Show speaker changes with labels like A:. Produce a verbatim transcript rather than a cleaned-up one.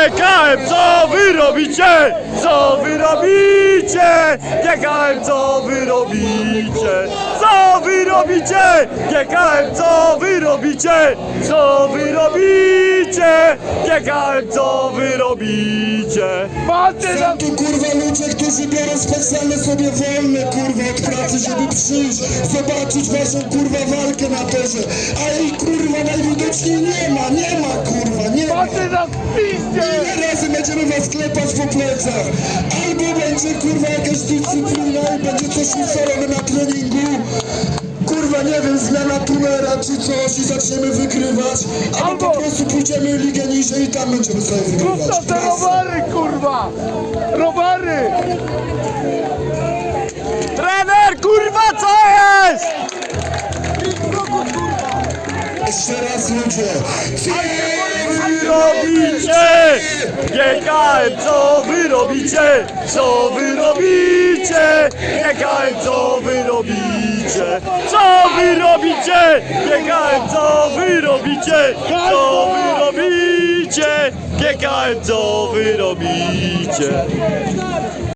A: G K M, co wy robicie? Co wy robicie? G K M, co wy robicie? Co wy robicie? G K M, co wy robicie? Co wy robicie? G K M, co wy robicie?
B: Są tu kurwa ludzie, którzy biorą specjalne sobie wolne kurwa od pracy, żeby przyjść, zobaczyć waszą kurwa walkę na torze. A jej kurwa najwidoczniej nie ma, nie ma kurwa, nie ma. Ile razy będziemy was klepać po plecach? Albo będzie kurwa jakaś dyscyplina i będzie coś ustalone na treningu. Kurwa, nie wiem, zmiana tunera czy coś i zaczniemy wygrywać, albo, albo po prostu pójdziemy ligę niżej i tam będziemy sobie wygrywać.
C: Zostaw te rowary, kurwa! Rowary!
A: Trener, kurwa, co jest?
B: Jeszcze raz ludzie,
A: Co wy robicie? G K M, co wy robicie? Co wy robicie? G K M, co wy robicie? Co wy robicie? G K M, co wy robicie? Co wy robicie? G K M, co wy robicie?